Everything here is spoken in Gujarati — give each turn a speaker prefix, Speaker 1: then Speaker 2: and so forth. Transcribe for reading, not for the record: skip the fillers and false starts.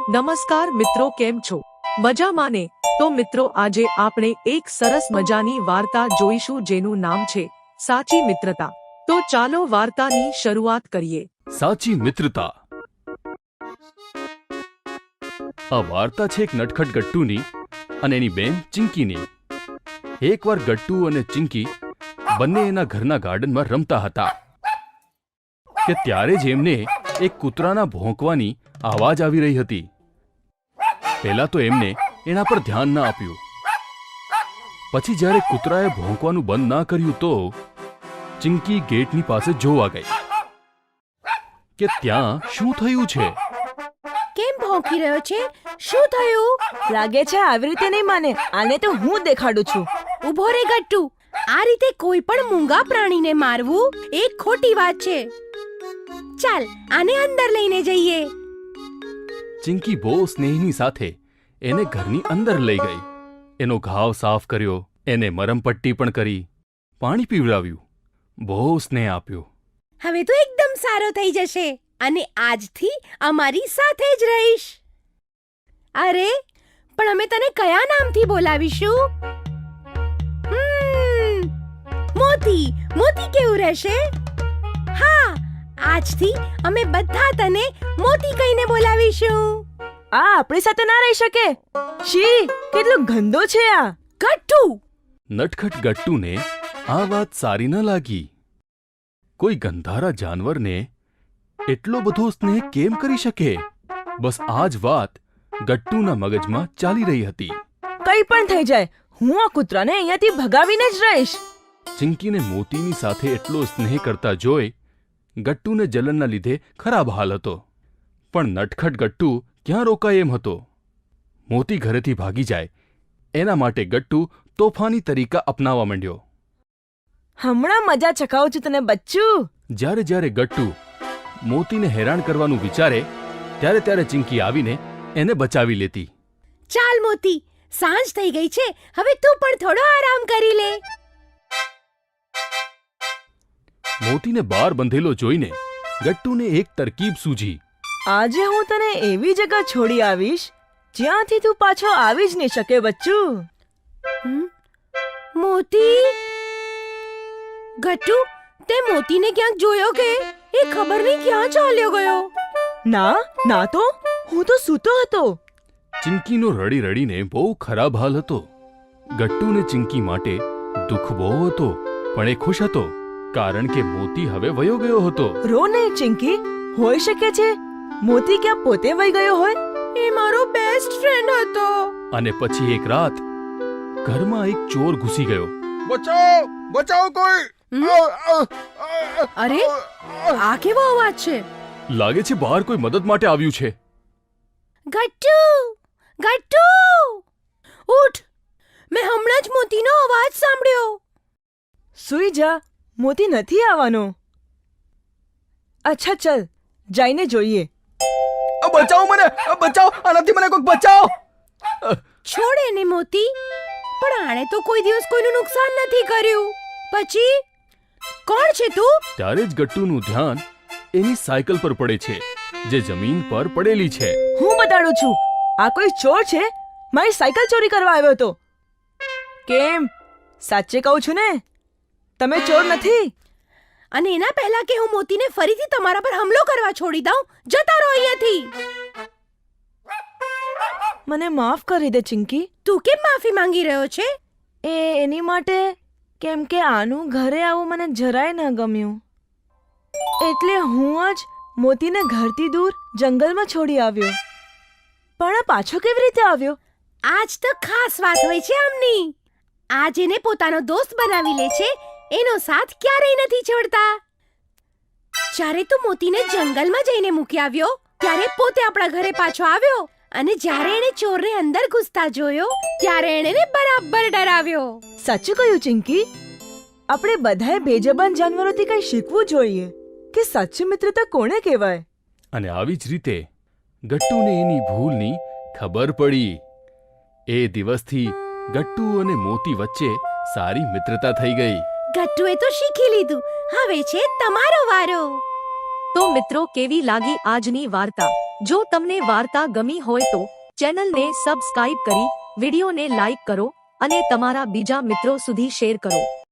Speaker 1: નમસ્કાર મિત્રો, કેમ છો? મજામાં ને? તો મિત્રો, આજે આપણે એક સરસ મજાની વાર્તા જોઈશું જેનું નામ છે સાચી મિત્રતા. તો ચાલો વાર્તાની શરૂઆત કરીએ.
Speaker 2: સાચી મિત્રતા. આ વાર્તા છે એક નટખટ ગટ્ટુની અને એની બેન ચિંકીની. એકવાર ગટ્ટુ અને ચિંકી બંને એના ઘરના ગાર્ડનમાં રમતા હતા કે ત્યારે જ એમને એક કૂતરાના ભોંકવાની આવાજ આવી રહી હતી. પહેલા તો એમને એના પર ધ્યાન ન આપ્યું. પછી જ્યારે કૂતરાએ ભોંકવાનું બંધ ના કર્યું તો ચિંકી ગેટની પાસે જોવા ગઈ કે ત્યાં શું થયું છે.
Speaker 3: કેમ ભોંકી રહ્યો છે? શું થયું?
Speaker 4: લાગે છે આવી રીતે નહીં માને. આને તો હું દેખાડું છું.
Speaker 3: ઊભો રે ગટ્ટુ. આ રીતે કોઈ પણ મૂંગા પ્રાણીને મારવું એક ખોટી વાત છે. ચાલ, આને અંદર લઈને જઈએ.
Speaker 2: ચિંકી બહુ સ્નેહની સાથે એને ઘરની અંદર લઈ ગઈ. એનો ઘાવ સાફ કર્યો, એને મરમપટ્ટી પણ કરી, પાણી પીવડાવ્યું, બહુ સ્નેહ આપ્યો.
Speaker 3: હવે તો એકદમ સારો થઈ જશે અને આજથી અમારી સાથે જ રહીશ. અરે, પણ અમે તને કયા નામથી બોલાવીશું? મોતી. મોતી કેવું રહેશે? હા, આજથી અમે બધા તને મોતી કહીને બોલાવીશું.
Speaker 4: આ આપણી સાથે ના રહી શકે. શી, કેટલો ગંદો છે આ.
Speaker 3: ગટ્ટુ.
Speaker 2: નટખટ ગટ્ટુને આ વાત સારી ન લાગી. કોઈ ગંધારા જાનવરને એટલો બધો સ્નેહ કેમ કરી શકે? બસ આ જ વાત ગટ્ટુના મગજમાં ચાલી રહી હતી.
Speaker 4: કંઈ પણ થઈ જાય, હું આ કૂતરાને અહીંયાથી ભગાવીને જ રહીશ.
Speaker 2: ચિંકીને મોતીની સાથે એટલો સ્નેહ કરતા જોઈ ગટ્ટુને જલનના લીધે ખરાબ હાલ હતો. પણ નટખટ ગટ્ટુ ક્યાં રોકાય એમ હતો. મોતી ઘરેથી ભાગી જાય એના માટે ગટ્ટુ તોફાની તરીકા અપનાવવા માંડ્યો.
Speaker 4: હમણાં મજા ચખાવું છું તને બચ્ચું.
Speaker 2: જ્યારે જ્યારે ગટ્ટુ મોતીને હેરાન કરવાનું વિચારે ત્યારે ત્યારે ચિંકી આવીને એને બચાવી લેતી.
Speaker 3: ચાલ મોતી, સાંજ થઈ ગઈ છે. હવે તું પણ થોડો આરામ કરી લે.
Speaker 2: મોતીને બહાર બંધેલો જોઈને ગટ્ટુને એક તરકીબ સૂઝી.
Speaker 4: આજે હું તને એવી જગ્યા છોડી આવીશ જ્યાંથી તું પાછો આવી જ નહીં શકે બચ્ચું.
Speaker 3: મોતી. ગટ્ટુ, તે મોતીને ક્યાંક જોયો કે? એ ખબર નહીં ક્યાં ચાલ્યો ગયો.
Speaker 4: ના તો હું તો સૂતો હતો.
Speaker 2: ચિંકીનો રડી રડીને બહુ ખરાબ હાલ હતો. ગટ્ટુને ચિંકી માટે દુઃખ બહુ હતો, પણ એ ખુશ હતો કારણ કે મોતી હવે વયો ગયો હતો.
Speaker 4: રો નહીં ચિંકી, હોઈ શકે છે મોતી ક્યાં પોતે વહી ગયો હોય.
Speaker 3: એ મારો બેસ્ટ ફ્રેન્ડ હતો.
Speaker 2: અને પછી એક રાત ઘરમાં એક ચોર ઘૂસી ગયો.
Speaker 5: બચાવ! બચાવ કોઈ!
Speaker 3: અરે, આ કેવો અવાજ છે?
Speaker 2: લાગે છે બહાર કોઈ મદદ માટે આવ્યું છે.
Speaker 3: ગટ્ટુ! ગટ્ટુ! ઉઠ! મેં હમણાં જ મોતીનો અવાજ સાંભળ્યો.
Speaker 4: સૂઈ જા, મોતી નથી આવવાનો. અચ્છા ચલ, જઈને જોઈએ.
Speaker 5: બચાવ મને! બચાવ! આનાથી મને કોઈક બચાવ!
Speaker 3: છોડ એને મોતી. પણ આણે તો કોઈ દિવસ કોઈનું નુકસાન નથી કર્યું. પછી કોણ છે તું?
Speaker 2: ત્યારે જ ગટ્ટુનું ધ્યાન એની સાયકલ પર પડે છે જે જમીન પર પડેલી છે.
Speaker 4: હું બતાડું છું. આ કોઈ ચોર છે, મારી સાયકલ ચોરી કરવા આવ્યો હતો. કેમ, સાચે કહું છું ને, તમે ચોર નથી?
Speaker 3: અને એના પહેલા કે હું મોતીને ફરીથી તમારા પર હુમલો કરવા છોડી દઉં, જતા રહો અહીંયાથી.
Speaker 4: મને માફ કરી દે ચિંકી.
Speaker 3: તું કેમ માફી માંગી રહ્યો છે?
Speaker 4: એની માટે કેમ કે આનું ઘરે આવું મને જરાય ન ગમ્યું. એટલે હું જ મોતીને ઘરથી દૂર જંગલમાં છોડી આવ્યો. પણ આ પાછો કેવી રીતે આવ્યો?
Speaker 3: આજ તો ખાસ વાત હોય છે આમની. આ જેને પોતાનો દોસ્ત બનાવી લે છે એનો સાથ ક્યારેય નથી છોડતા. જ્યારે તું મોતીને જંગલમાં જઈને મૂકી આવ્યો ત્યારે પોતે આપણા ઘરે પાછો આવ્યો અને જ્યારે એણે ચોરને અંદર ઘૂસતા જોયો ત્યારે એણે એને બરાબર ડરાવ્યો.
Speaker 4: સાચું કહ્યું ચિંકી. આપણે બધાએ બેજબાન જાનવરોથી કંઈ શીખવું જોઈએ કે સાચી મિત્રતા કોને કહેવાય.
Speaker 2: અને આવી જ રીતે ગટ્ટુને એની ભૂલની ખબર પડી. એ દિવસથી ગટ્ટુ અને મોતી વચ્ચે સારી મિત્રતા થઈ ગઈ.
Speaker 3: ગટ્ટુએ તો શીખી લીધું. હવે છે તમારો વારો.
Speaker 1: તો મિત્રો કેવી લાગી આજની વાર્તા? જો તમને વાર્તા ગમી હોય તો ચેનલને સબસ્ક્રાઇબ કરી વિડીયોને લાઈક કરો અને તમારા બીજા મિત્રો સુધી શેર કરો.